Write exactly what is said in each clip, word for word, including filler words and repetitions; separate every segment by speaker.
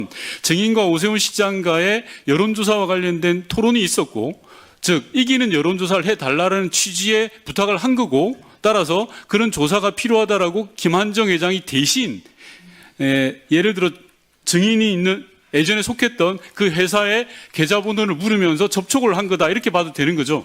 Speaker 1: 증인과 오세훈 시장과의 여론조사와 관련된 토론이 있었고, 즉 이기는 여론조사를 해달라는 취지의 부탁을 한 거고, 따라서 그런 조사가 필요하다라고 김한정 회장이 대신 에, 예를 들어 증인이 있는 예전에 속했던 그 회사의 계좌번호를 물으면서 접촉을 한 거다, 이렇게 봐도 되는 거죠.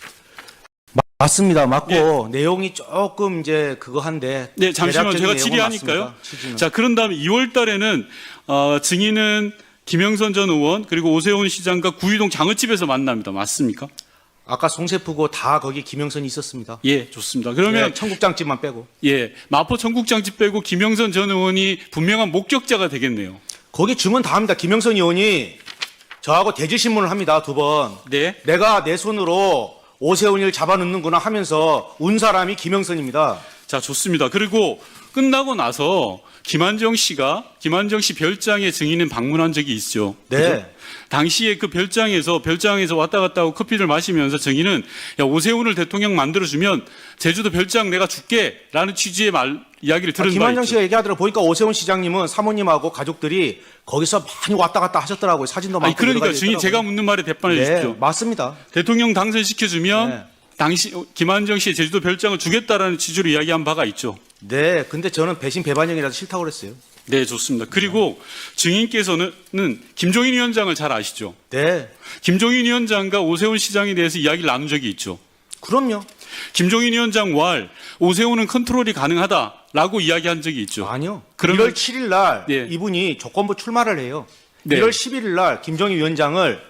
Speaker 2: 맞습니다. 맞고
Speaker 1: 예.
Speaker 2: 내용이 조금 이제 그거 한데.
Speaker 1: 네, 잠시만
Speaker 2: 대략적인
Speaker 1: 제가
Speaker 2: 내용은
Speaker 1: 질의하니까요.
Speaker 2: 맞습니다. 취지는.
Speaker 1: 자, 그런 다음에 이월 달에는 어, 증인은 김영선 전 의원 그리고 오세훈 시장과 구의동 장어집에서 만납니다. 맞습니까?
Speaker 2: 아까 송세프고 다 거기 김영선이 있었습니다.
Speaker 1: 예, 좋습니다. 그러면
Speaker 2: 네, 청국장집만 빼고.
Speaker 1: 예, 마포 청국장집 빼고 김영선 전 의원이 분명한 목격자가 되겠네요.
Speaker 2: 거기 증언 다 합니다. 김영선 의원이 저하고 대질신문을 합니다. 두 번.
Speaker 1: 네.
Speaker 2: 내가 내 손으로 오세훈이를 잡아넣는구나 하면서 운 사람이 김영선입니다.
Speaker 1: 자, 좋습니다. 그리고 끝나고 나서 김한정 씨가 김한정 씨 별장에 증인은 방문한 적이 있죠.
Speaker 2: 네.
Speaker 1: 그죠? 당시에 그 별장에서 별장에서 왔다 갔다 하고 커피를 마시면서 증인은 야, 오세훈을 대통령 만들어주면 제주도 별장 내가 줄게라는 취지의 말 이야기를
Speaker 2: 아,
Speaker 1: 들은 바
Speaker 2: 김한정
Speaker 1: 있죠.
Speaker 2: 씨가 얘기하더라 보니까 오세훈 시장님은 사모님하고 가족들이 거기서 많이 왔다 갔다 하셨더라고요. 사진도 많고.
Speaker 1: 아니, 그러니까
Speaker 2: 여러 가지
Speaker 1: 증인 제가
Speaker 2: 있더라고요.
Speaker 1: 묻는 말에 대답해
Speaker 2: 네,
Speaker 1: 주십시오.
Speaker 2: 맞습니다.
Speaker 1: 대통령 당선시켜주면
Speaker 2: 네.
Speaker 1: 당시 김한정 씨의 제주도 별장을 주겠다라는 취지로 이야기한 바가 있죠.
Speaker 2: 네, 근데 저는 배신 배반형이라서 싫다고 그랬어요.
Speaker 1: 네, 좋습니다. 그리고 증인께서는 김종인 위원장을 잘 아시죠?
Speaker 2: 네,
Speaker 1: 김종인 위원장과 오세훈 시장에 대해서 이야기를 나눈 적이 있죠.
Speaker 2: 그럼요.
Speaker 1: 김종인 위원장 왈 오세훈은 컨트롤이 가능하다라고 이야기한 적이 있죠.
Speaker 2: 아니요.
Speaker 1: 그러면-
Speaker 2: 일월 칠일 날
Speaker 1: 네.
Speaker 2: 이분이 조건부 출마를 해요.
Speaker 1: 네.
Speaker 2: 일월 십일일 날 김정희 위원장을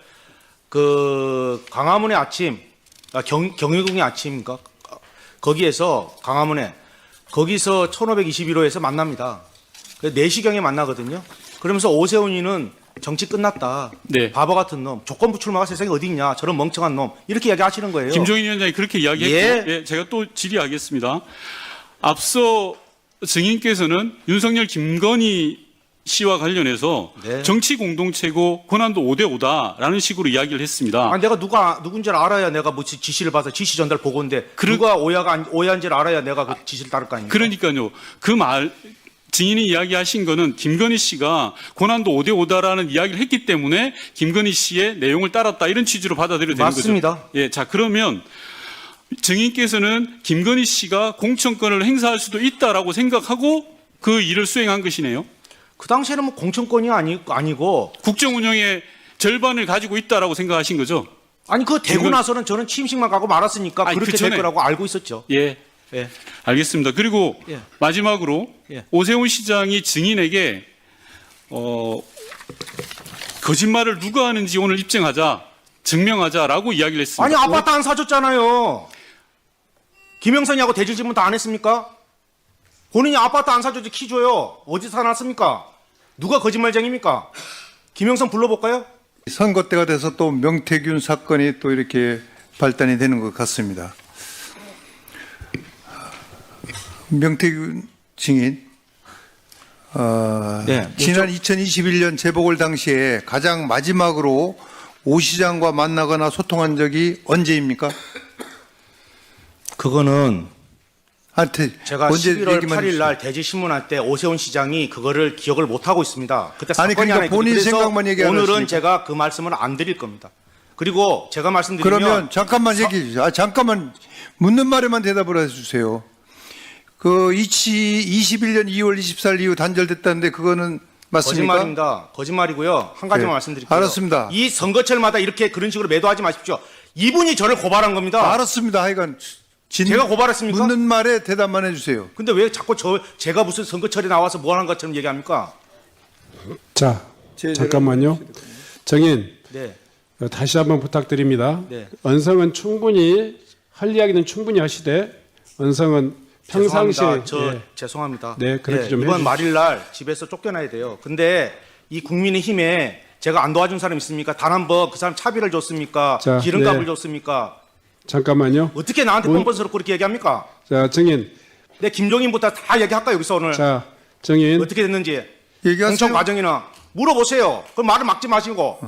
Speaker 2: 그 광화문의 아침, 아, 경, 경희궁의 아침인가? 거기에서 광화문에 거기서 천오백이십일 호에서 만납니다. 네 시경에 만나거든요. 그러면서 오세훈이는 정치 끝났다.
Speaker 1: 네.
Speaker 2: 바보 같은 놈. 조건부 출마가 세상에 어디 있냐. 저런 멍청한 놈. 이렇게 이야기하시는 거예요.
Speaker 1: 김종인 위원장이 그렇게 이야기했고,
Speaker 2: 예.
Speaker 1: 예, 제가 또 질의하겠습니다. 앞서 증인께서는 윤석열 김건희 씨와 관련해서
Speaker 2: 네.
Speaker 1: 정치 공동체고 권한도 오 대 오다라는 식으로 이야기를 했습니다.
Speaker 2: 아, 내가 누가 누군지를 알아야 내가 뭐 지- 지시를 받아 지시 전달 보고인데
Speaker 1: 그러-
Speaker 2: 누가 오해가 안- 오해한지를 알아야 내가 그 지시를 따를 거 아닙니까?
Speaker 1: 그러니까요. 그 말 증인이 이야기하신 거는 김건희 씨가 권한도 오 대 오다라는 이야기를 했기 때문에 김건희 씨의 내용을 따랐다, 이런 취지로 받아들여야 되는
Speaker 2: 맞습니다.
Speaker 1: 거죠. 예, 자, 그러면 증인께서는 김건희 씨가 공천권을 행사할 수도 있다라고 생각하고 그 일을 수행한 것이네요.
Speaker 2: 그 당시에는 뭐 공천권이 아니, 아니고
Speaker 1: 국정 운영의 절반을 가지고 있다라고 생각하신 거죠.
Speaker 2: 아니 그 되고
Speaker 1: 김건-
Speaker 2: 나서는 저는 취임식만 가고 말았으니까
Speaker 1: 아니,
Speaker 2: 그렇게
Speaker 1: 그 전에-
Speaker 2: 될 거라고 알고 있었죠.
Speaker 1: 예,
Speaker 2: 예.
Speaker 1: 알겠습니다. 그리고
Speaker 2: 예.
Speaker 1: 마지막으로
Speaker 2: 예.
Speaker 1: 오세훈 시장이 증인에게 어, 거짓말을 누가 하는지 오늘 입증하자, 증명하자라고 이야기를 했습니다.
Speaker 2: 아니 아파트 안 사줬잖아요. 김영선이하고 대질 질문 다 안 했습니까? 본인이 아파트 안 사줬지 키 줘요. 어디서 사놨습니까? 누가 거짓말쟁입니까? 김영선 불러볼까요?
Speaker 3: 선거 때가 돼서 또 명태균 사건이 또 이렇게 발단이 되는 것 같습니다. 명태균 증인, 어,
Speaker 2: 네,
Speaker 3: 지난 이천이십일 년 재보궐 당시에 가장 마지막으로 오 시장과 만나거나 소통한 적이 언제입니까?
Speaker 2: 그거는
Speaker 3: 한테
Speaker 2: 제가
Speaker 3: 언제
Speaker 2: 십일월
Speaker 3: 얘기만
Speaker 2: 팔일
Speaker 3: 해주세요.
Speaker 2: 날 대지 신문할 때 오세훈 시장이 그거를 기억을 못 하고 있습니다. 그때
Speaker 3: 아니,
Speaker 2: 사건이
Speaker 3: 그러니까
Speaker 2: 하나 있거든요.
Speaker 3: 본인
Speaker 2: 그래서
Speaker 3: 생각만 얘기하는
Speaker 2: 오늘은
Speaker 3: 것이니까.
Speaker 2: 제가 그 말씀을 안 드릴 겁니다. 그리고 제가 말씀드리면
Speaker 3: 그러면 잠깐만 얘기해 주세요. 아, 잠깐만 묻는 말에만 대답을 해주세요. 그 이십일 년 이월 이십사일 이후 단절됐다는데 그거는 맞습니까?
Speaker 2: 거짓말입니다. 거짓말이고요. 한 가지만
Speaker 3: 네.
Speaker 2: 말씀드릴게요.
Speaker 3: 알았습니다.
Speaker 2: 이 선거철마다 이렇게 그런 식으로 매도하지 마십시오. 이분이 저를 고발한 겁니다.
Speaker 3: 알았습니다. 하여간 진,
Speaker 2: 제가 고발했습니까?
Speaker 3: 묻는 말에 대답만 해주세요.
Speaker 2: 근데 왜 자꾸 저 제가 무슨 선거철에 나와서 뭐 하는 것처럼 얘기합니까?
Speaker 4: 자,
Speaker 3: 제-
Speaker 4: 잠깐만요. 정인,
Speaker 2: 네.
Speaker 4: 어, 다시 한번 부탁드립니다.
Speaker 2: 네.
Speaker 4: 언성은 충분히 할 이야기는 충분히 하시되 언성은 평상시에
Speaker 2: 죄송합니다. 저
Speaker 4: 예.
Speaker 2: 죄송합니다.
Speaker 4: 네, 그렇게 좀
Speaker 2: 이번
Speaker 4: 해주십시오.
Speaker 2: 말일날 집에서 쫓겨나야 돼요. 근데 이 국민의힘에 제가 안 도와준 사람 있습니까? 단 한 번 그 사람 차비를 줬습니까?
Speaker 4: 자,
Speaker 2: 기름값을
Speaker 4: 네.
Speaker 2: 줬습니까?
Speaker 4: 잠깐만요.
Speaker 2: 어떻게 나한테
Speaker 4: 문-
Speaker 2: 뻔뻔스럽고 그렇게 얘기합니까?
Speaker 4: 자, 정인,
Speaker 2: 내 김종인부터 다 얘기할까 여기서 오늘
Speaker 4: 자, 정인,
Speaker 2: 어떻게 됐는지
Speaker 3: 얘기하세요.
Speaker 2: 공천 과정이나 물어보세요. 그럼 말을 막지 마시고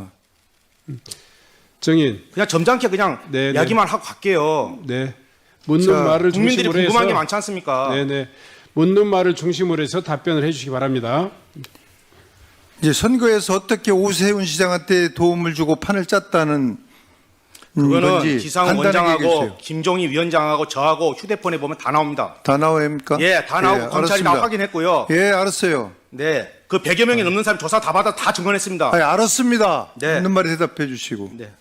Speaker 4: 정인,
Speaker 2: 그냥 점잖게 그냥
Speaker 4: 네,
Speaker 2: 이야기만 하고 갈게요.
Speaker 4: 네, 묻는
Speaker 3: 자,
Speaker 4: 말을
Speaker 2: 국민들이
Speaker 4: 중심으로
Speaker 2: 궁금한 게
Speaker 4: 해서,
Speaker 2: 많지 않습니까?
Speaker 4: 네, 네, 묻는 말을 중심으로 해서 답변을 해주시기 바랍니다.
Speaker 3: 이제 선거에서 어떻게 오세훈 시장한테 도움을 주고 판을 짰다는 음,
Speaker 2: 그거는
Speaker 3: 건지
Speaker 2: 지상훈
Speaker 3: 간단하게 얘기해
Speaker 2: 원장하고
Speaker 3: 주세요.
Speaker 2: 김종희 위원장하고 저하고 휴대폰에 보면 다 나옵니다.
Speaker 3: 다 나옵니까?
Speaker 2: 예, 다 나오고
Speaker 3: 예,
Speaker 2: 검찰이 다
Speaker 3: 알았습니다.
Speaker 2: 확인했고요.
Speaker 3: 예, 알았어요.
Speaker 2: 네, 그 백여 명이 넘는 사람 조사 다 받아 다 증언했습니다.
Speaker 3: 아니, 알았습니다.
Speaker 2: 네.
Speaker 3: 묻는 말에 대답해 주시고.
Speaker 2: 네.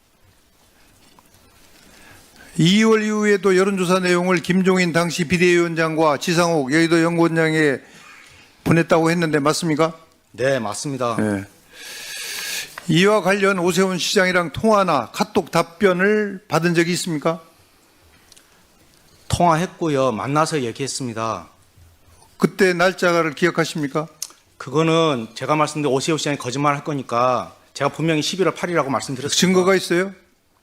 Speaker 3: 이월 이후에도 여론조사 내용을 김종인 당시 비대위원장과 지상욱 여의도 연구원장에 보냈다고 했는데 맞습니까?
Speaker 2: 네, 맞습니다.
Speaker 3: 예. 이와 관련 오세훈 시장이랑 통화나 카톡 답변을 받은 적이 있습니까?
Speaker 2: 통화했고요. 만나서 얘기했습니다.
Speaker 3: 그때 날짜를 기억하십니까?
Speaker 2: 그거는 제가 말씀드린 오세훈 시장이 거짓말 할 거니까 제가 분명히 십일월 팔일이라고 말씀드렸습니다.
Speaker 3: 증거가 있어요?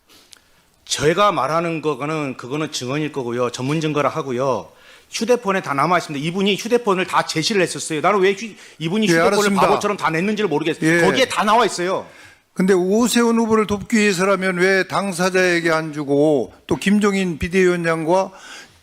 Speaker 2: 제가 말하는 거는 그거는 증언일 거고요. 전문 증거라 하고요. 휴대폰에 다 남아 있습니다. 이분이 휴대폰을 다 제시를 했었어요. 나는 왜 휴, 이분이
Speaker 3: 예,
Speaker 2: 휴대폰을
Speaker 3: 알았습니다.
Speaker 2: 바보처럼 다 냈는지를 모르겠어요.
Speaker 3: 예.
Speaker 2: 거기에 다 나와 있어요.
Speaker 3: 근데 오세훈 후보를 돕기 위해서라면 왜 당사자에게 안 주고 또 김종인 비대위원장과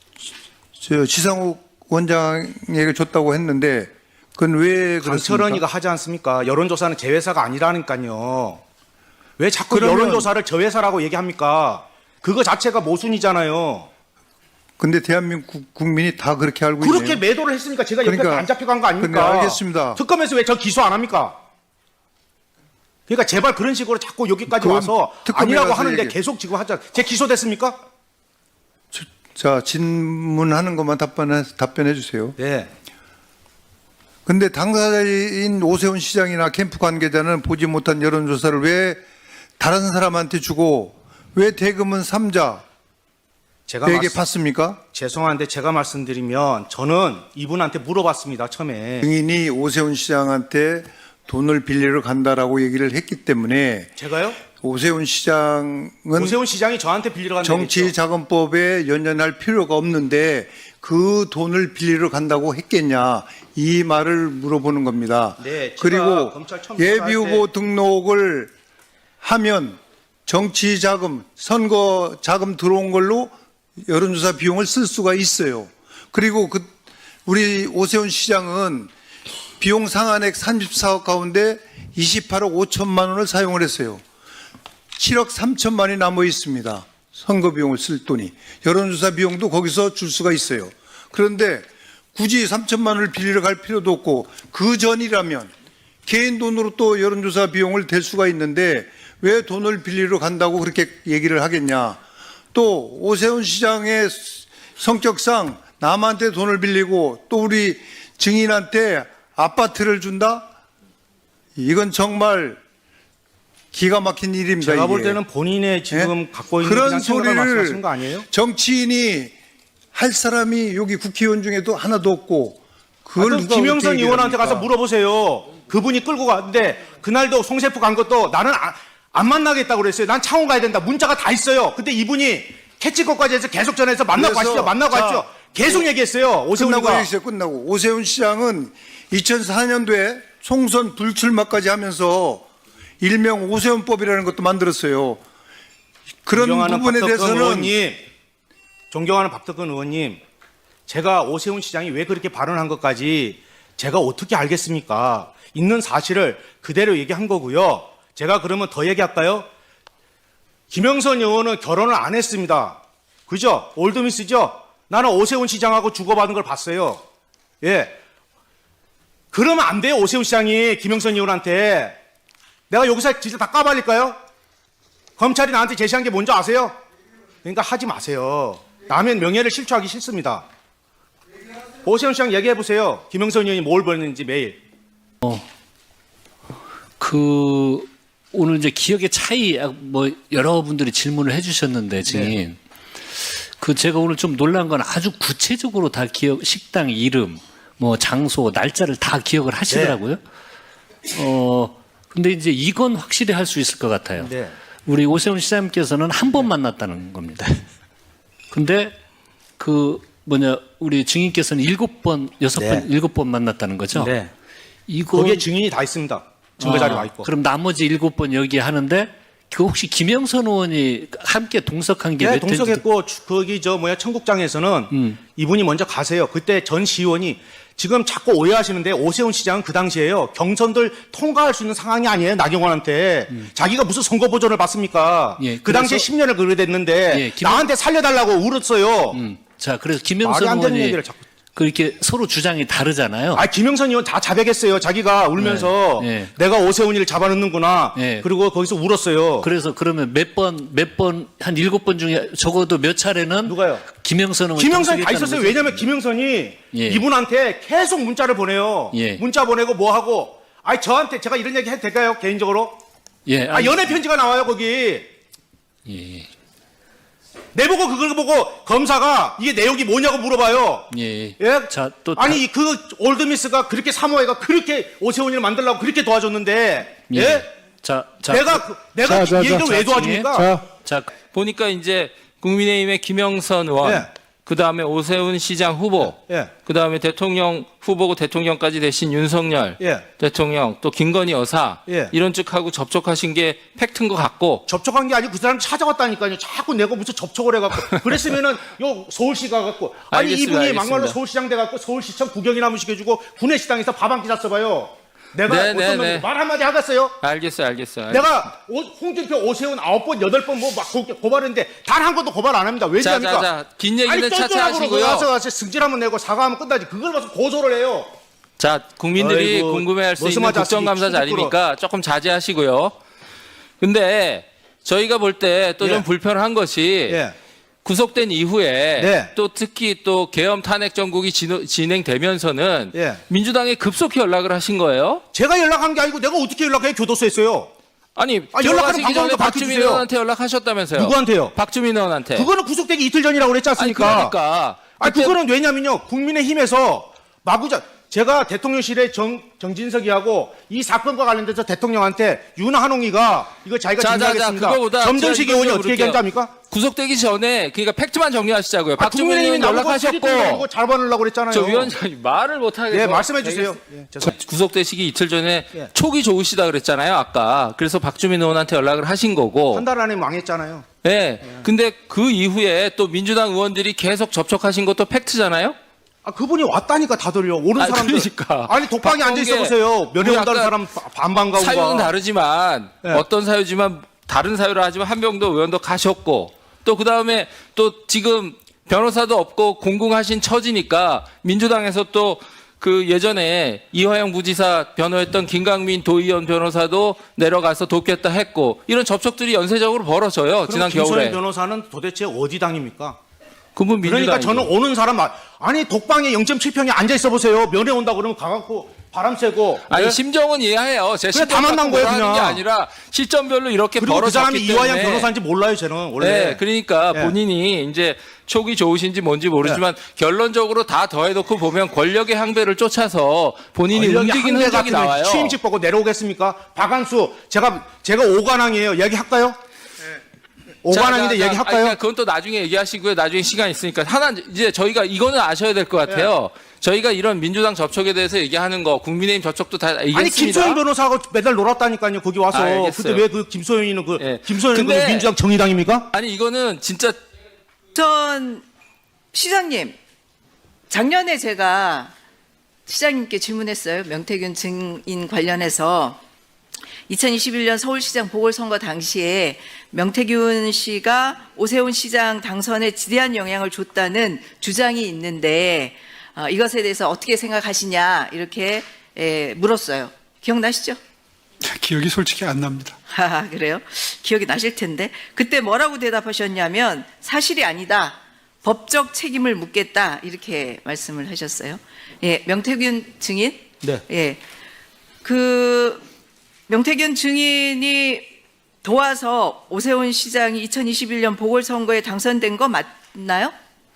Speaker 3: 저 지상욱 원장에게 줬다고 했는데 그건 왜 그렇습니까?
Speaker 2: 강철원이가 하지 않습니까? 여론조사는 제 회사가 아니라니까요. 왜 자꾸
Speaker 3: 그러면-
Speaker 2: 여론조사를 저 회사라고 얘기합니까? 그거 자체가 모순이잖아요.
Speaker 3: 근데 대한민국 국민이 다 그렇게 알고
Speaker 2: 그렇게
Speaker 3: 있네요.
Speaker 2: 매도를 했으니까 제가 옆에
Speaker 3: 그러니까-
Speaker 2: 안 잡혀간 거 아닙니까?
Speaker 3: 그러니까 알겠습니다.
Speaker 2: 특검에서 왜 저 기소 안 합니까? 그러니까 제발 그런 식으로 자꾸 여기까지
Speaker 3: 그건
Speaker 2: 와서
Speaker 3: 특검에
Speaker 2: 아니라고
Speaker 3: 가서
Speaker 2: 하는데
Speaker 3: 얘기-
Speaker 2: 계속 지금 하자. 제 기소됐습니까?
Speaker 3: 자, 질문하는 것만 답변해, 답변해 주세요.
Speaker 2: 네.
Speaker 3: 근데 당사자인 오세훈 시장이나 캠프 관계자는 보지 못한 여론조사를 왜 다른 사람한테 주고 왜 대금은 삼자에게
Speaker 2: 제가 말씀,
Speaker 3: 받습니까?
Speaker 2: 죄송한데 제가 말씀드리면 저는 이분한테 물어봤습니다. 처음에.
Speaker 3: 증인이 오세훈 시장한테 돈을 빌리러 간다라고 얘기를 했기 때문에
Speaker 2: 제가요?
Speaker 3: 오세훈 시장은
Speaker 2: 오세훈 시장이 저한테 빌리러 간다고 했죠.
Speaker 3: 정치자금법에 연연할 필요가 없는데 그 돈을 빌리러 간다고 했겠냐 이 말을 물어보는 겁니다.
Speaker 2: 네, 제가
Speaker 3: 그리고
Speaker 2: 검찰 처음
Speaker 3: 예비
Speaker 2: 수사할
Speaker 3: 후보 등록을 하면 정치자금, 선거 자금 들어온 걸로 여론조사 비용을 쓸 수가 있어요. 그리고 그 우리 오세훈 시장은 비용 상한액 삼십사억 가운데 이십팔억 오천만 원을 사용을 했어요. 칠억 삼천만이 남아 있습니다. 선거 비용을 쓸 돈이. 여론조사 비용도 거기서 줄 수가 있어요. 그런데 굳이 삼천만 원을 빌리러 갈 필요도 없고 그 전이라면 개인 돈으로 또 여론조사 비용을 댈 수가 있는데 왜 돈을 빌리러 간다고 그렇게 얘기를 하겠냐. 또 오세훈 시장의 성격상 남한테 돈을 빌리고 또 우리 증인한테 아파트를 준다? 이건 정말 기가 막힌 일입니다.
Speaker 2: 제가 볼
Speaker 3: 이게.
Speaker 2: 때는 본인의 지금
Speaker 3: 예?
Speaker 2: 갖고 있는
Speaker 3: 그런
Speaker 2: 그냥 생각을 말씀하시는
Speaker 3: 소리를
Speaker 2: 거 아니에요?
Speaker 3: 정치인이 할 사람이 여기 국회의원 중에도 하나도 없고 그걸
Speaker 2: 아,
Speaker 3: 누가
Speaker 2: 김영선
Speaker 3: 그렇게 얘기를
Speaker 2: 의원한테 가서
Speaker 3: 합니까?
Speaker 2: 물어보세요. 그분이 끌고 갔는데 그날도 송세프 간 것도 나는 안, 안 만나겠다고 그랬어요. 난 창원 가야 된다. 문자가 다 있어요. 근데 이분이 캐치컷까지 해서 계속 전해서 만나고
Speaker 3: 그래서
Speaker 2: 가시죠. 만나고
Speaker 3: 자,
Speaker 2: 가시죠. 계속 얘기했어요.
Speaker 3: 끝나고
Speaker 2: 오세훈이가.
Speaker 3: 얘기했어요. 끝나고 오세훈 시장은 이천사 년도에 총선 불출마까지 하면서 일명 오세훈법이라는 것도 만들었어요. 그런
Speaker 2: 존경하는
Speaker 3: 부분에
Speaker 2: 박덕근
Speaker 3: 대해서는
Speaker 2: 의원님, 존경하는 박덕근 의원님, 제가 오세훈 시장이 왜 그렇게 발언한 것까지 제가 어떻게 알겠습니까? 있는 사실을 그대로 얘기한 거고요. 제가 그러면 더 얘기할까요? 김영선 의원은 결혼을 안 했습니다. 그죠? 올드미스죠? 나는 오세훈 시장하고 주고받은 걸 봤어요. 예. 그러면 안 돼요, 오세훈 시장이 김영선 의원한테. 내가 여기서 진짜 다 까발릴까요? 검찰이 나한테 제시한 게 뭔지 아세요? 그러니까 하지 마세요. 남의 명예를 실추하기 싫습니다. 오세훈 시장 얘기해 보세요. 김영선 의원이 뭘 벌는지 매일.
Speaker 5: 그 오늘 이제 기억의 차이 뭐 여러분들이 질문을 해주셨는데 증인 그 제가 오늘 좀 놀란 건 아주 구체적으로 다 기억 식당 이름 뭐 장소 날짜를 다 기억을 하시더라고요. 어 근데 이제 이건 확실히 할 수 있을 것 같아요.
Speaker 2: 네.
Speaker 5: 우리 오세훈 시장님께서는 한 번 만났다는 겁니다. 근데 그 뭐냐 우리 증인께서는 일곱 번 여섯 번
Speaker 2: 네.
Speaker 5: 일곱 번 만났다는 거죠.
Speaker 2: 네.
Speaker 5: 이거
Speaker 2: 거기에 증인이 다 있습니다. 증거 자료
Speaker 5: 아,
Speaker 2: 와 있고.
Speaker 5: 그럼 나머지 일곱 번 여기 하는데 그 혹시 김영선 의원이 함께 동석한 게
Speaker 2: 네,
Speaker 5: 몇 회인지
Speaker 2: 동석했고 주- 거기 저 뭐야 청국장에서는
Speaker 5: 음.
Speaker 2: 이분이 먼저 가세요. 그때 전 시의원이 지금 자꾸 오해하시는데 오세훈 시장은 그 당시에요. 경선들 통과할 수 있는 상황이 아니에요. 나경원한테. 자기가 무슨 선거 보전을 받습니까?
Speaker 5: 예,
Speaker 2: 그 당시에
Speaker 5: 그래서-
Speaker 2: 십 년을 그래 됐는데
Speaker 5: 예, 김-
Speaker 2: 나한테 살려달라고 울었어요.
Speaker 5: 음. 자, 그래서
Speaker 2: 말이
Speaker 5: 김영선
Speaker 2: 안 되는
Speaker 5: 의원이
Speaker 2: 얘기를 자꾸.
Speaker 5: 그렇게 서로 주장이 다르잖아요.
Speaker 2: 아, 김영선 의원 다 자백했어요. 자기가 울면서
Speaker 5: 네, 네.
Speaker 2: 내가 오세훈이를 잡아넣는구나.
Speaker 5: 네.
Speaker 2: 그리고 거기서 울었어요.
Speaker 5: 그래서 그러면 몇 번, 몇 번, 한 일곱 번 중에 적어도 몇 차례는
Speaker 2: 누가요?
Speaker 5: 김영선 의원이
Speaker 2: 김영선이 다
Speaker 5: 통수했다는
Speaker 2: 있었어요.
Speaker 5: 거죠?
Speaker 2: 왜냐면 김영선이
Speaker 5: 예.
Speaker 2: 이분한테 계속 문자를 보내요.
Speaker 5: 예.
Speaker 2: 문자 보내고 뭐 하고. 아니 저한테 제가 이런 얘기 해도 될까요? 개인적으로?
Speaker 5: 예,
Speaker 2: 아,
Speaker 5: 아니,
Speaker 2: 연애 편지가 나와요 거기.
Speaker 5: 예,
Speaker 2: 내보고 그걸 보고 검사가 이게 내용이 뭐냐고 물어봐요.
Speaker 5: 예.
Speaker 2: 예?
Speaker 5: 자, 또
Speaker 2: 아니 그 올드미스가 그렇게 사모해가 그렇게 오세훈이를 만들려고 그렇게 도와줬는데 예?
Speaker 5: 예. 자, 자,
Speaker 2: 내가 그- 내가
Speaker 4: 자, 자,
Speaker 2: 이 얘기를
Speaker 4: 자,
Speaker 2: 왜
Speaker 5: 자,
Speaker 2: 도와줍니까?
Speaker 4: 자,
Speaker 5: 자,
Speaker 6: 보니까 이제 국민의힘의 김영선 의원,
Speaker 2: 예.
Speaker 6: 그 다음에 오세훈 시장 후보,
Speaker 2: 예.
Speaker 6: 그 다음에 대통령 후보고 대통령까지 되신 윤석열
Speaker 2: 예.
Speaker 6: 대통령, 또 김건희 여사
Speaker 2: 예.
Speaker 6: 이런 측하고 접촉하신 게 팩트인 것 같고,
Speaker 2: 접촉한 게 아니고 그 사람 찾아왔다니까요. 자꾸 내가 무슨 접촉을 해갖고 그랬으면은 요 서울시 가갖고 아니
Speaker 6: 알겠습니다,
Speaker 2: 이분이
Speaker 6: 알겠습니다.
Speaker 2: 막말로 서울시장 돼갖고 서울시청 구경이나 한번 시켜주고 구내식당에서 밥 한 끼 샀어봐요. 내가
Speaker 6: 네,
Speaker 2: 어떤
Speaker 6: 네,
Speaker 2: 놈이
Speaker 6: 네.
Speaker 2: 말 한마디 하겠어요?
Speaker 6: 알겠어요, 알겠어요.
Speaker 2: 내가 오- 홍준표, 오세훈 아홉 번, 여덟 번 뭐 막 고발했는데 단 한 번도 고발 안 합니다.
Speaker 6: 자,
Speaker 2: 왜냐합니까?
Speaker 6: 자, 자, 긴 얘기는
Speaker 2: 아니
Speaker 6: 차차
Speaker 2: 쫀쫀하고
Speaker 6: 하시고요.
Speaker 2: 가서 가서 승질 한번 내고 사과하면 끝나지. 그걸 가서 고소를 해요.
Speaker 6: 자, 국민들이
Speaker 2: 아이고,
Speaker 6: 궁금해할 수 있는
Speaker 2: 머스마자
Speaker 6: 국정감사
Speaker 2: 시기
Speaker 6: 자리니까 조금 자제하시고요. 근데 저희가 볼 때 또 좀
Speaker 2: 예.
Speaker 6: 불편한 것이
Speaker 2: 예.
Speaker 6: 구속된 이후에
Speaker 2: 네.
Speaker 6: 또 특히 또 계엄 탄핵 정국이 진호- 진행되면서는
Speaker 2: 예.
Speaker 6: 민주당에 급속히 연락을 하신 거예요.
Speaker 2: 제가 연락한 게 아니고 내가 어떻게 연락해? 교도소했어요.
Speaker 6: 아니,
Speaker 2: 아, 연락하는
Speaker 6: 들어가시기
Speaker 2: 방법도
Speaker 6: 전에 박주민
Speaker 2: 밝혀주세요.
Speaker 6: 의원한테 연락하셨다면서요.
Speaker 2: 누구한테요?
Speaker 6: 박주민 의원한테.
Speaker 2: 그거는 구속되기 이틀 전이라고 그랬지
Speaker 6: 아니,
Speaker 2: 않습니까?
Speaker 6: 그러니까.
Speaker 2: 아,
Speaker 6: 그때-
Speaker 2: 그거는 왜냐면요. 국민의힘에서 마구자 제가 대통령실에 정, 정진석이하고 이 사건과 관련돼서 대통령한테 윤한홍이가 이거 자기가
Speaker 6: 자, 자, 자,
Speaker 2: 진행하겠습니다.
Speaker 6: 그거보다
Speaker 2: 점점식
Speaker 6: 제가
Speaker 2: 의원이
Speaker 6: 이거
Speaker 2: 어떻게
Speaker 6: 물을게요.
Speaker 2: 얘기한지 압니까?
Speaker 6: 구속되기 전에 그러니까 팩트만 정리하시자고요.
Speaker 2: 아,
Speaker 6: 박주민 의원 연락하셨고
Speaker 2: 연락하셨고 잘 받으려고 그랬잖아요.
Speaker 6: 저 위원장님 말을 못 하겠어요.
Speaker 2: 예, 말씀해 주세요. 예, 죄송합니다.
Speaker 6: 구속되시기 이틀 전에
Speaker 2: 예.
Speaker 6: 촉이 좋으시다 그랬잖아요, 아까. 그래서 박주민 의원한테 연락을 하신 거고.
Speaker 2: 한 달 안에 망했잖아요.
Speaker 6: 예. 근데 그 이후에 또 민주당 의원들이 계속 접촉하신 것도 팩트잖아요?
Speaker 2: 아, 그분이 왔다니까 다들요. 오는
Speaker 6: 아,
Speaker 2: 사람들.
Speaker 6: 그러니까.
Speaker 2: 아니, 독방에 앉아 있어
Speaker 6: 박범계
Speaker 2: 보세요. 면회
Speaker 6: 우리
Speaker 2: 온다는
Speaker 6: 아까
Speaker 2: 사람 반반 가고.
Speaker 6: 사유는 다르지만
Speaker 2: 예.
Speaker 6: 어떤 사유지만 다른 사유를 하지만 한병도 의원도 가셨고 또 그다음에 또 지금 변호사도 없고 공공하신 처지니까 민주당에서 또 그 예전에 이화영 부지사 변호했던 김강민 도의원 변호사도 내려가서 돕겠다 했고 이런 접촉들이 연쇄적으로 벌어져요. 지난
Speaker 2: 김소연
Speaker 6: 겨울에.
Speaker 2: 변호사는 도대체 어디 당입니까?
Speaker 6: 그분 민주당.
Speaker 2: 그러니까 저는 오는 사람 말- 아니 독방에 영 점 칠 평에 앉아 있어 보세요. 면회 온다 그러면 가갖고 바람 쇠고.
Speaker 6: 아니
Speaker 2: 예?
Speaker 6: 심정은 이해해요. 제
Speaker 2: 그래, 다
Speaker 6: 심정
Speaker 2: 만난
Speaker 6: 갖고
Speaker 2: 거예요,
Speaker 6: 뭐라 하는 게
Speaker 2: 그냥.
Speaker 6: 아니라 시점별로 이렇게
Speaker 2: 그리고 그 사람이
Speaker 6: 벌어졌기
Speaker 2: 이화영
Speaker 6: 때문에.
Speaker 2: 변호사인지 몰라요, 저는 원래.
Speaker 6: 네, 그러니까
Speaker 2: 예.
Speaker 6: 본인이 이제 촉이 좋으신지 뭔지 모르지만 결론적으로 다 더해놓고 보면 권력의 항배를 쫓아서 본인이
Speaker 2: 권력이
Speaker 6: 움직이는
Speaker 2: 한계
Speaker 6: 흔적이
Speaker 2: 같으면
Speaker 6: 나와요.
Speaker 2: 취임식 보고 내려오겠습니까? 박한수 제가 제가 오관왕이에요. 얘기할까요? 오관왕인데
Speaker 6: 자, 자, 자,
Speaker 2: 얘기할까요?
Speaker 6: 아니, 그러니까 그건 또 나중에 얘기하시고요. 나중에 시간 있으니까 하나 이제 저희가 이거는 아셔야 될 것 같아요. 저희가 이런 민주당 접촉에 대해서 얘기하는 거, 국민의힘 접촉도 다 얘기했습니다.
Speaker 2: 아니 김소연 변호사하고 매달 놀았다니까요. 거기 와서.
Speaker 6: 아, 알겠어요.
Speaker 2: 그때 왜 그 김소연이는 그
Speaker 6: 예.
Speaker 2: 김소연은 그
Speaker 6: 근데-
Speaker 2: 민주당 정의당입니까?
Speaker 6: 아니 이거는 진짜
Speaker 7: 전 시장님, 작년에 제가 시장님께 질문했어요. 명태균 증인 관련해서 이천이십일 년 서울시장 보궐선거 당시에 명태균 씨가 오세훈 시장 당선에 지대한 영향을 줬다는 주장이 있는데 어, 이것에 대해서 어떻게 생각하시냐 이렇게 에, 물었어요. 기억나시죠?
Speaker 3: 기억이 솔직히 안 납니다.
Speaker 7: 아, 그래요? 기억이 나실 텐데. 그때 뭐라고 대답하셨냐면 사실이 아니다. 법적 책임을 묻겠다. 이렇게 말씀을 하셨어요. 예, 명태균 증인?
Speaker 2: 네.
Speaker 7: 예. 그 명태균 증인이 도와서 오세훈 시장이 이천이십일 년 보궐선거에 당선된 거 맞나요?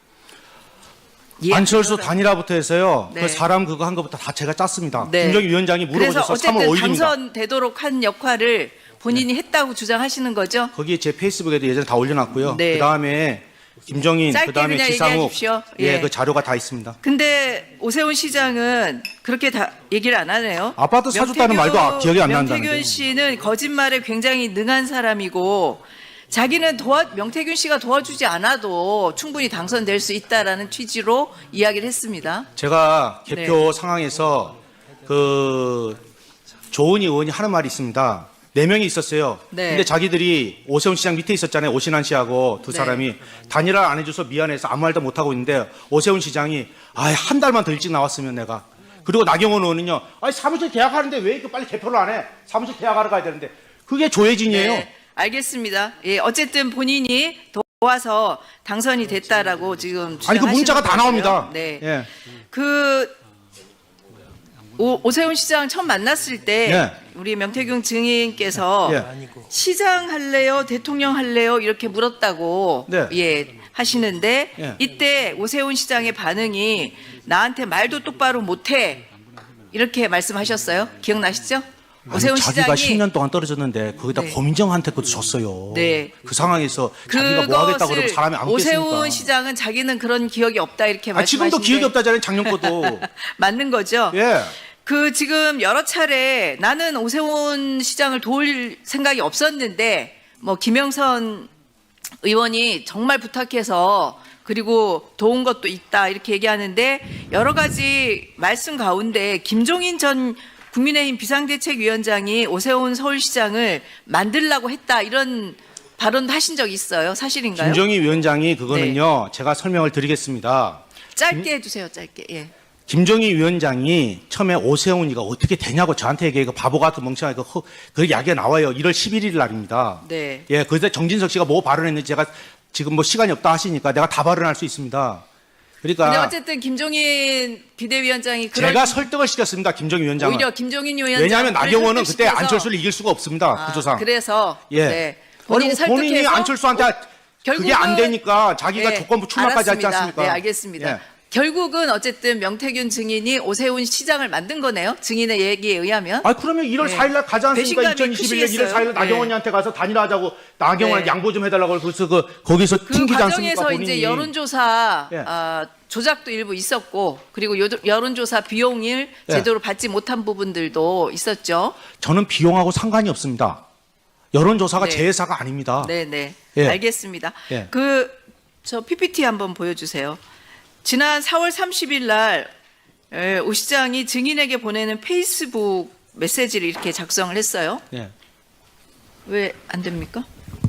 Speaker 7: 예,
Speaker 2: 안철수
Speaker 7: 그거는-
Speaker 2: 단일화부터 해서요.
Speaker 7: 네.
Speaker 2: 그 사람 그거 한 것부터 다 제가 짰습니다.
Speaker 7: 네.
Speaker 2: 김정희 위원장이
Speaker 7: 그래서
Speaker 2: 물어보셔서 삼월
Speaker 7: 어쨌든
Speaker 2: 오일입니다.
Speaker 7: 당선되도록 한 역할을 본인이 했다고 주장하시는 거죠?
Speaker 2: 거기에 제 페이스북에도 예전에 다 올려놨고요.
Speaker 7: 네.
Speaker 2: 그 다음에 김정인,
Speaker 7: 짧게
Speaker 2: 그 다음에
Speaker 7: 그냥
Speaker 2: 지상욱,
Speaker 7: 얘기하십시오.
Speaker 2: 예,
Speaker 7: 예.
Speaker 2: 그 자료가 다 있습니다.
Speaker 7: 근데 오세훈 시장은 그렇게 다 얘기를 안 하네요.
Speaker 2: 아파트 사줬다는 말도 아- 기억이 안 난다는데요.
Speaker 7: 명태균 씨는 거짓말에 굉장히 능한 사람이고 자기는 도와 명태균 씨가 도와주지 않아도 충분히 당선될 수 있다라는 취지로 이야기를 했습니다.
Speaker 2: 제가 개표
Speaker 7: 네.
Speaker 2: 상황에서 그 조은희 의원이 하는 말이 있습니다. 네 명이 있었어요.
Speaker 7: 네.
Speaker 2: 근데 자기들이 오세훈 시장 밑에 있었잖아요. 오신환 씨하고 두
Speaker 7: 네.
Speaker 2: 사람이 단일화 안 해줘서 미안해서 아무 말도 못 하고 있는데 오세훈 시장이 아한 달만 더 일찍 나왔으면 내가. 그리고 나경원 의원은요. 아니 사무실 계약하는데 왜 이렇게 빨리 개표를 안 해? 사무실 계약하러 가야 되는데 그게 조혜진이에요.
Speaker 7: 네, 알겠습니다. 예, 어쨌든 본인이 도와서 당선이 됐다라고 지금
Speaker 2: 아니 그 문자가
Speaker 7: 주장하시는
Speaker 2: 다 나옵니다.
Speaker 7: 거고요. 네.
Speaker 2: 예.
Speaker 7: 그 오, 오세훈 시장 처음 만났을 때
Speaker 2: 예.
Speaker 7: 우리 명태균 증인께서
Speaker 2: 예.
Speaker 7: 시장 할래요, 대통령 할래요 이렇게 물었다고
Speaker 2: 네.
Speaker 7: 예 하시는데
Speaker 2: 예.
Speaker 7: 이때 오세훈 시장의 반응이 나한테 말도 똑바로 못해 이렇게 말씀하셨어요. 기억나시죠?
Speaker 2: 아니,
Speaker 7: 오세훈
Speaker 2: 자기가
Speaker 7: 시장이
Speaker 2: 십 년 동안 떨어졌는데 거기다
Speaker 7: 네.
Speaker 2: 고민정한테 그것도 줬어요.
Speaker 7: 네.
Speaker 2: 그 상황에서 자기가 뭐 하겠다 그러면
Speaker 7: 그것을
Speaker 2: 사람이 안 겠습니까?
Speaker 7: 오세훈 시장은 자기는 그런 기억이 없다 이렇게
Speaker 2: 아,
Speaker 7: 말씀하시는데
Speaker 2: 지금도 기억이 없다잖아요. 작년 것도.
Speaker 7: 맞는 거죠?
Speaker 2: 예.
Speaker 7: 그 지금 여러 차례 나는 오세훈 시장을 도울 생각이 없었는데 뭐 김영선 의원이 정말 부탁해서 그리고 도운 것도 있다 이렇게 얘기하는데 여러 가지 말씀 가운데 김종인 전 국민의힘 비상대책위원장이 오세훈 서울시장을 만들라고 했다 이런 발언도 하신 적 있어요. 사실인가요?
Speaker 2: 김정희 위원장이 그거는요. 제가 설명을 드리겠습니다.
Speaker 7: 짧게 해주세요. 짧게. 예.
Speaker 2: 김정희 위원장이 처음에 오세훈이가 어떻게 되냐고 저한테 얘기해. 바보 같은 멍청한 그, 허- 그 이야기가 나와요. 일월 십일일 날입니다.
Speaker 7: 네.
Speaker 2: 예, 그때 정진석 씨가 뭐 발언했는지 제가 지금 뭐 시간이 없다 하시니까 내가 다 발언할 수 있습니다.
Speaker 7: 근데
Speaker 2: 그러니까
Speaker 7: 어쨌든 김종인 비대위원장이 그런
Speaker 2: 제가 설득을 시켰습니다. 김정희 위원장은.
Speaker 7: 오히려 김종인 위원장
Speaker 2: 왜냐하면 나경원은 그때 안철수를 이길 수가 없습니다.
Speaker 7: 아,
Speaker 2: 구조상.
Speaker 7: 그래서
Speaker 2: 예.
Speaker 7: 네. 본인이
Speaker 2: 그리고 본인이
Speaker 7: 설득해서
Speaker 2: 안철수한테 그게 안
Speaker 7: 결국은-
Speaker 2: 되니까 자기가
Speaker 7: 네,
Speaker 2: 조건부 출마까지 했지
Speaker 7: 알았습니다.
Speaker 2: 않습니까?
Speaker 7: 네, 알겠습니다.
Speaker 2: 예.
Speaker 7: 결국은 어쨌든 명태균 증인이 오세훈 시장을 만든 거네요. 증인의 얘기에 의하면.
Speaker 2: 아 그러면 일월
Speaker 7: 네.
Speaker 2: 사일 날 가지 않습니까?
Speaker 7: 배신감이
Speaker 2: 이천이십일 년 일월 사일 날
Speaker 7: 크시겠어요.
Speaker 2: 나경원이한테 가서 단일화하자고 나경원한테
Speaker 7: 네.
Speaker 2: 양보 좀 해달라고 그래서 그 거기서
Speaker 7: 그
Speaker 2: 튕기지 않습니까?
Speaker 7: 과정에서
Speaker 2: 본인이.
Speaker 7: 이제 여론조사
Speaker 2: 예.
Speaker 7: 아, 조작도 일부 있었고 그리고 요- 여론조사 비용을
Speaker 2: 예.
Speaker 7: 제대로 받지 못한 부분들도 있었죠.
Speaker 2: 저는 비용하고 상관이 없습니다. 여론조사가
Speaker 7: 네.
Speaker 2: 제 회사가 아닙니다.
Speaker 7: 네, 네.
Speaker 2: 예.
Speaker 7: 알겠습니다.
Speaker 2: 예.
Speaker 7: 그 저 피피티 한번 보여주세요. 지난 사월 삼십일 날 에, 오 시장이 증인에게 보내는 페이스북 메시지를 이렇게 작성을 했어요.
Speaker 2: 예.
Speaker 7: 왜 안 됩니까?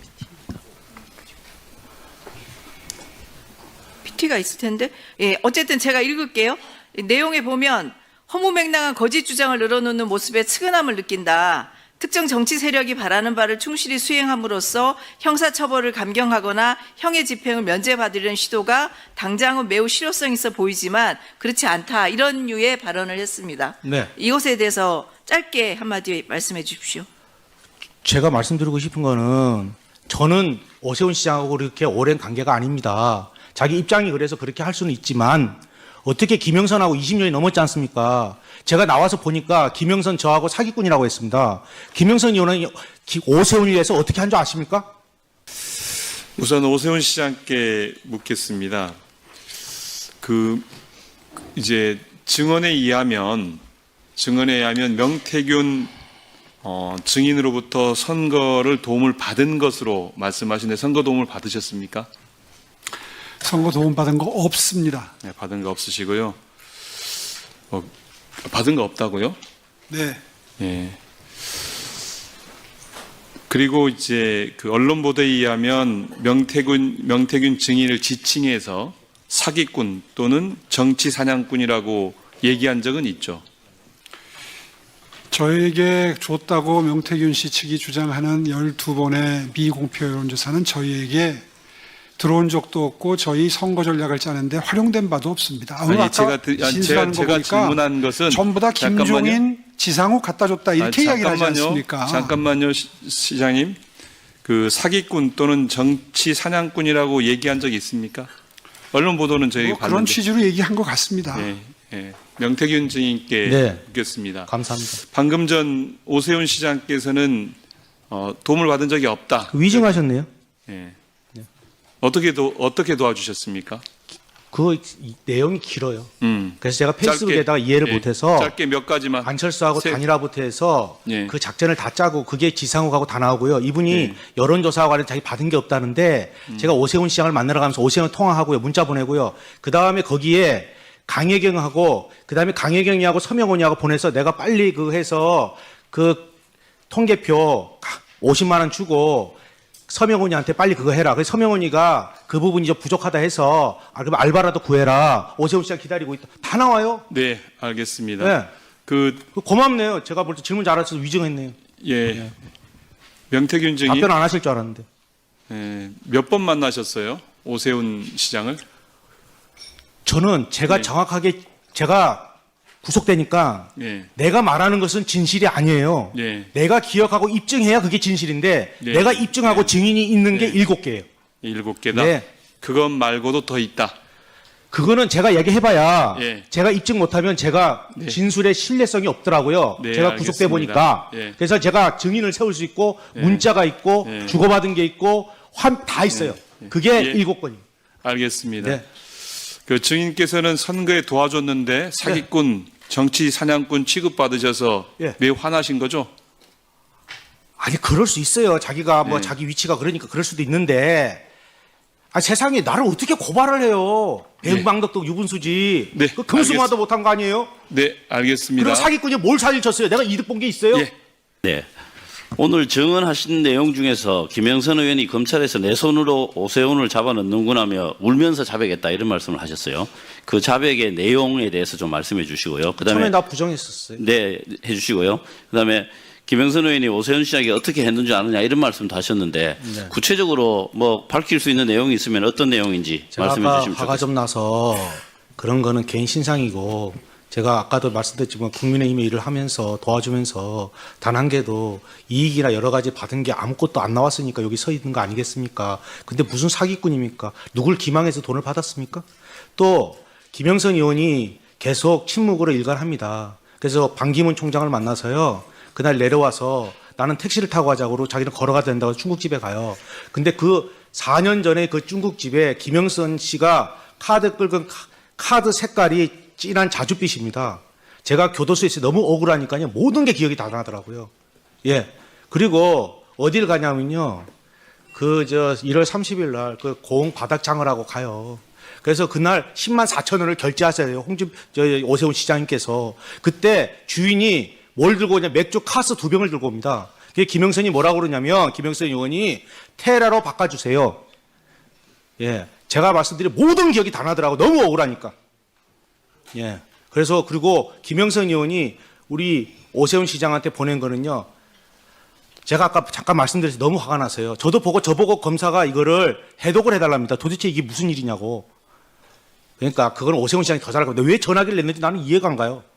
Speaker 7: 피티가 있을 텐데. 예, 어쨌든 제가 읽을게요. 이 내용에 보면 허무맹랑한 거짓 주장을 늘어놓는 모습에 측은함을 느낀다. 특정 정치 세력이 바라는 바를 충실히 수행함으로써 형사처벌을 감경하거나 형의 집행을 면제받으려는 시도가 당장은 매우 실효성 있어 보이지만 그렇지 않다. 이런 류의 발언을 했습니다.
Speaker 2: 네.
Speaker 7: 이것에 대해서 짧게 한마디 말씀해 주십시오.
Speaker 2: 제가 말씀드리고 싶은 거는 저는 오세훈 시장하고 그렇게 오랜 관계가 아닙니다. 자기 입장이 그래서 그렇게 할 수는 있지만 어떻게 김영선하고 이십 년이 넘었지 않습니까? 제가 나와서 보니까 김영선 저하고 사기꾼이라고 했습니다. 김영선 의원은 오세훈을 위해서 어떻게 한 줄 아십니까?
Speaker 8: 우선 오세훈 시장께 묻겠습니다. 그 이제 증언에 의하면 증언에 의하면 명태균 어, 증인으로부터 선거를 도움을 받은 것으로 말씀하시는데 선거 도움을 받으셨습니까?
Speaker 9: 선거 도움 받은 거 없습니다.
Speaker 8: 네, 받은 거 없으시고요. 어, 받은 거 없다고요?
Speaker 9: 네.
Speaker 8: 예. 그리고 이제 그 언론 보도에 의하면 명태균 명태균 증인을 지칭해서 사기꾼 또는 정치 사냥꾼이라고 얘기한 적은 있죠.
Speaker 9: 저에게 줬다고 명태균 씨 측이 주장하는 열두 번의 미공표 여론조사는 저희에게 들어온 적도 없고 저희 선거 전략을 짜는데 활용된 바도 없습니다. 오늘
Speaker 8: 아니,
Speaker 9: 아까
Speaker 8: 제가 드- 아니,
Speaker 9: 진술하는
Speaker 8: 제가-
Speaker 9: 거
Speaker 8: 제가
Speaker 9: 보니까
Speaker 8: 질문한 것은
Speaker 9: 전부 다
Speaker 8: 잠깐만요.
Speaker 9: 김종인, 지상욱 갖다 줬다 이렇게
Speaker 8: 아,
Speaker 9: 이야기를 하지
Speaker 8: 잠깐만요.
Speaker 9: 않습니까?
Speaker 8: 잠깐만요, 시, 시장님. 그 사기꾼 또는 정치 사냥꾼이라고 얘기한 적이 있습니까? 언론 보도는 저희가
Speaker 9: 뭐 그런
Speaker 8: 봤는데.
Speaker 9: 취지로 얘기한 것 같습니다.
Speaker 8: 예, 예. 명태균 증인께
Speaker 2: 네.
Speaker 8: 묻겠습니다.
Speaker 2: 감사합니다.
Speaker 8: 방금 전 오세훈 시장께서는 어, 도움을 받은 적이 없다.
Speaker 2: 위증하셨네요.
Speaker 8: 예. 어떻게 도 어떻게 도와주셨습니까?
Speaker 2: 그 이- 내용이 길어요.
Speaker 8: 음.
Speaker 2: 그래서 제가 페이스북에다가 이해를
Speaker 8: 예,
Speaker 2: 못해서
Speaker 8: 짧게 몇 가지만.
Speaker 2: 안철수하고
Speaker 8: 세-
Speaker 2: 단일화부터 해서
Speaker 8: 예.
Speaker 2: 그 작전을 다 짜고 그게 지상욱하고 다 나오고요. 이분이
Speaker 8: 예.
Speaker 2: 여론조사와 관련 자기 받은 게 없다는데
Speaker 8: 음.
Speaker 2: 제가 오세훈 시장을 만나러 가면서 오세훈 통화하고요. 문자 보내고요. 그 다음에 거기에 강혜경하고 그 다음에 강혜경이하고 서명원이하고 보내서 내가 빨리 그 해서 그 통계표 오십만 원 주고 서명훈이한테 빨리 그거 해라. 그래서 서명훈이가 그 부분이 좀 부족하다 해서 아, 그럼 알바라도 구해라. 오세훈 시장 기다리고 있다. 다 나와요.
Speaker 8: 네, 알겠습니다.
Speaker 2: 네.
Speaker 8: 그,
Speaker 2: 그 고맙네요. 제가 볼 때 질문 잘해서 위증했네요.
Speaker 8: 예. 명태균 증인
Speaker 2: 답변 안 하실 줄 알았는데.
Speaker 8: 예, 몇 번 만나셨어요? 오세훈 시장을?
Speaker 2: 저는 제가
Speaker 8: 네.
Speaker 2: 정확하게 제가 구속되니까
Speaker 8: 예.
Speaker 2: 내가 말하는 것은 진실이 아니에요.
Speaker 8: 예.
Speaker 2: 내가 기억하고 입증해야 그게 진실인데
Speaker 8: 네.
Speaker 2: 내가 입증하고 증인이 있는 게
Speaker 8: 네.
Speaker 2: 일곱 개예요.
Speaker 8: 일곱 개다.
Speaker 2: 네.
Speaker 8: 그것 말고도 더 있다.
Speaker 2: 그거는 제가 얘기해봐야
Speaker 8: 예.
Speaker 2: 제가 입증 못하면 제가
Speaker 8: 네.
Speaker 2: 진술의 신뢰성이 없더라고요.
Speaker 8: 네,
Speaker 2: 제가 구속돼
Speaker 8: 알겠습니다.
Speaker 2: 보니까
Speaker 8: 예.
Speaker 2: 그래서 제가 증인을 세울 수 있고
Speaker 8: 예.
Speaker 2: 문자가 있고
Speaker 8: 예.
Speaker 2: 주고받은 게 있고 환, 다 있어요. 그게
Speaker 8: 예.
Speaker 2: 일곱 건이에요.
Speaker 8: 알겠습니다.
Speaker 2: 네.
Speaker 8: 그 증인께서는 선거에 도와줬는데 사기꾼, 정치 사냥꾼 취급받으셔서
Speaker 2: 예.
Speaker 8: 매우 화나신 거죠?
Speaker 2: 아니 그럴 수 있어요. 자기가 뭐
Speaker 8: 네.
Speaker 2: 자기 위치가 그러니까 그럴 수도 있는데 아 세상에 나를 어떻게 고발을 해요? 배은망덕도 유분수지.
Speaker 8: 네,
Speaker 2: 그 금수마도
Speaker 8: 알겠-
Speaker 2: 못한 거 아니에요?
Speaker 8: 네, 알겠습니다.
Speaker 2: 그리고 사기꾼이 뭘 사기를 쳤어요? 내가 이득 본 게 있어요?
Speaker 8: 예.
Speaker 10: 네. 오늘 증언하신 내용 중에서 김영선 의원이 검찰에서 내 손으로 오세훈을 잡아넣는구나며 울면서 자백했다 이런 말씀을 하셨어요. 그 자백의 내용에 대해서 좀 말씀해 주시고요.
Speaker 2: 처음에
Speaker 10: 그다음에
Speaker 2: 나 부정했었어요.
Speaker 10: 네, 해주시고요. 그다음에 김영선 의원이 오세훈 시장이 어떻게 했는지 아느냐 이런 말씀도 하셨는데
Speaker 2: 네.
Speaker 10: 구체적으로 뭐 밝힐 수 있는 내용이 있으면 어떤 내용인지
Speaker 2: 제가
Speaker 10: 말씀해
Speaker 2: 아까
Speaker 10: 주시면
Speaker 2: 화가
Speaker 10: 좋겠습니다.
Speaker 2: 좀 나서 그런 거는 개인 신상이고 제가 아까도 말씀드렸지만 국민의힘의 일을 하면서 도와주면서 단 한 개도 이익이나 여러 가지 받은 게 아무것도 안 나왔으니까 여기 서 있는 거 아니겠습니까? 근데 무슨 사기꾼입니까? 누굴 기망해서 돈을 받았습니까? 또 김영선 의원이 계속 침묵으로 일관합니다. 그래서 반기문 총장을 만나서요. 그날 내려와서 나는 택시를 타고 가자고 자기는 걸어가야 된다고 중국집에 가요. 근데 그 사 년 전에 그 중국집에 김영선 씨가 카드 긁은 카- 카드 색깔이 진한 자줏빛입니다. 제가 교도소에서 너무 억울하니까요. 모든 게 기억이 다 나더라고요. 예. 그리고 어딜 가냐면요. 그 저 일월 삼십일 날 그 고흥 바닥장을 하고 가요. 그래서 그날 십만 사천 원을 결제하셔야 돼요. 홍준 저 오세훈 시장님께서 그때 주인이 뭘 들고 오냐 맥주 카스 두 병을 들고 옵니다. 그게 김영선이 뭐라고 그러냐면 김영선 의원이 테라로 바꿔주세요. 예, 제가 말씀드린 모든 기억이 다 나더라고 너무 억울하니까. 예, 그래서 그리고 김영선 의원이 우리 오세훈 시장한테 보낸 거는요. 제가 아까 잠깐 말씀드려서 너무 화가 나서요. 저도 보고 저보고 검사가 이거를 해독을 해달랍니다. 도대체 이게 무슨 일이냐고. 그러니까 그건 오세훈 시장이 더 잘할 건데 왜 전화기를 냈는지 나는 이해가 안 가요.